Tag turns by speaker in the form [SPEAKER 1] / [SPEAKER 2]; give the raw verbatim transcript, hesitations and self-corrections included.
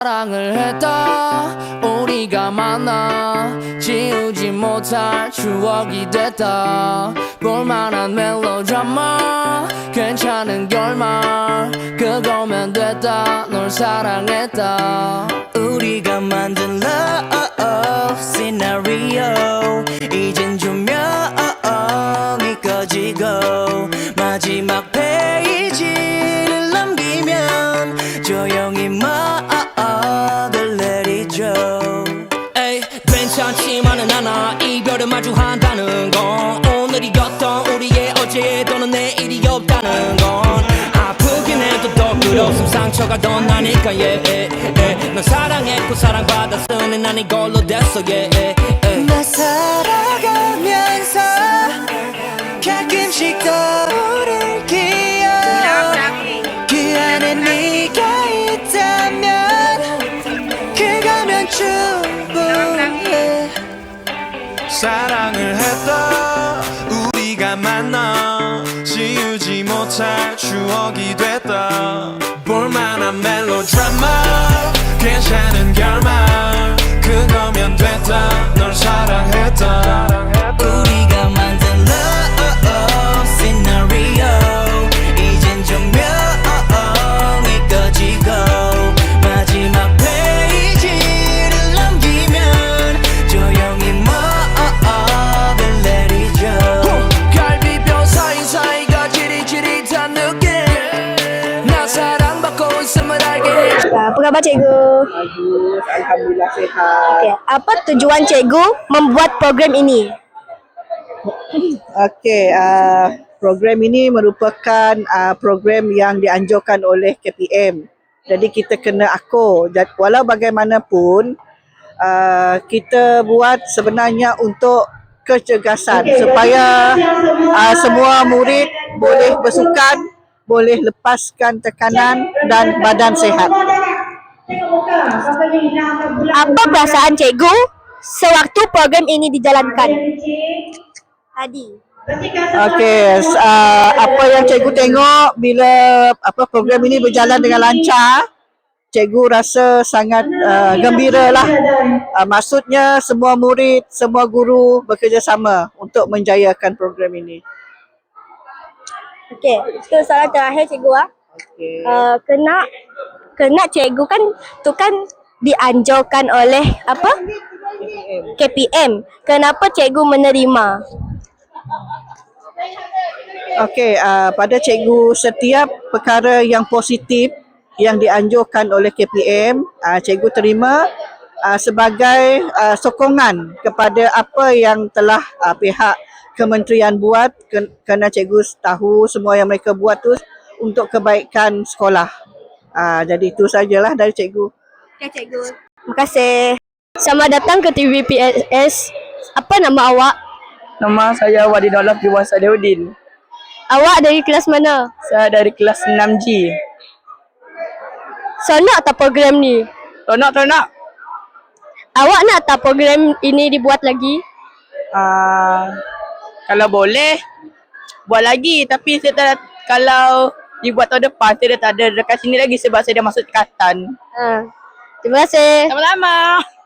[SPEAKER 1] 사랑을 했다 우리가 만나 지우지 못할 추억이 됐다 볼만한 멜로드라마 괜찮은 결말 그거면 됐다 널 사랑했다
[SPEAKER 2] 우리가 만든 love scenario 이젠 조명이 꺼지고 마지막 페이지를 넘기면 조용히 막을 내리죠.
[SPEAKER 1] 에이 괜찮지만은 않아 이별을 마주한다는 건 오늘이었던 우리의 어제 또는 내일이 없다는 건 아프긴 해도 더 그렇음 상처가 더 나니까 yeah, yeah, yeah. 넌 사랑했고 사랑받았으니 난 이걸로 됐어 yeah, yeah, yeah.
[SPEAKER 2] 나 살아가면서 가끔씩 떠오를 기억 그 안에 네가 있다면 그거면 충분해.
[SPEAKER 3] 사랑을 했다 우리가 만나 지우지 못할 추억이 됐다 볼만한 멜로드라마 괜찮은 결말 그거면 됐다 널 사랑했다
[SPEAKER 2] 우리가 만든 love scenario 이젠 조명이 꺼지고 마지막 페이지를 넘기면 조용히 막을 내리죠.
[SPEAKER 1] 갈비뼈 사이사이가 지릿지릿한 느낌 나 사랑받고 있음을 알게 해
[SPEAKER 4] Apa khabar cikgu?
[SPEAKER 5] Bagus, Alhamdulillah sihat.
[SPEAKER 4] Okay. Apa tujuan cikgu membuat program ini?
[SPEAKER 5] Okey, uh, program ini merupakan uh, program yang dianjurkan oleh K P M. Jadi kita kena akur. Jad- Walau bagaimanapun, uh, kita buat sebenarnya untuk kecergasan supaya uh, semua murid boleh bersukan, boleh lepaskan tekanan dan badan sihat.
[SPEAKER 4] Apa perasaan cikgu sewaktu program ini dijalankan? Tadi.
[SPEAKER 5] Okey, uh, apa yang cikgu tengok bila apa program ini berjalan dengan lancar, cikgu rasa sangat uh, gembira lah. Uh, maksudnya semua murid, semua guru bekerjasama untuk menjayakan program ini.
[SPEAKER 4] Okey, itu soalan terakhir cikgu ah.
[SPEAKER 5] Okey.
[SPEAKER 4] Uh, kena kena cikgu kan tu kan dianjurkan oleh apa? K P M. Kenapa cikgu menerima?
[SPEAKER 5] Okey, uh, pada cikgu setiap perkara yang positif yang dianjurkan oleh K P M, uh, cikgu terima uh, sebagai uh, sokongan kepada apa yang telah uh, pihak kementerian buat ke- kerana cikgu tahu semua yang mereka buat tu untuk kebaikan sekolah. Uh, jadi itu sajalah dari cikgu.
[SPEAKER 4] Okey cikgu. Terima kasih. Selamat datang ke T V P S. Apa nama awak?
[SPEAKER 6] Nama saya Wadi Dolaf Jiwa Sadiuddin.
[SPEAKER 4] Awak dari kelas mana?
[SPEAKER 6] Saya dari kelas enam G.
[SPEAKER 4] Seronok tak program ni?
[SPEAKER 6] Tonak tonak.
[SPEAKER 4] Awak nak tak program ini dibuat lagi?
[SPEAKER 6] Uh, kalau boleh buat lagi, tapi saya tak, kalau dibuat tahun depan saya dah tak ada dekat sini lagi sebab saya dah masuk tingkatan.
[SPEAKER 4] Ha. Terima kasih.
[SPEAKER 6] Sama-sama.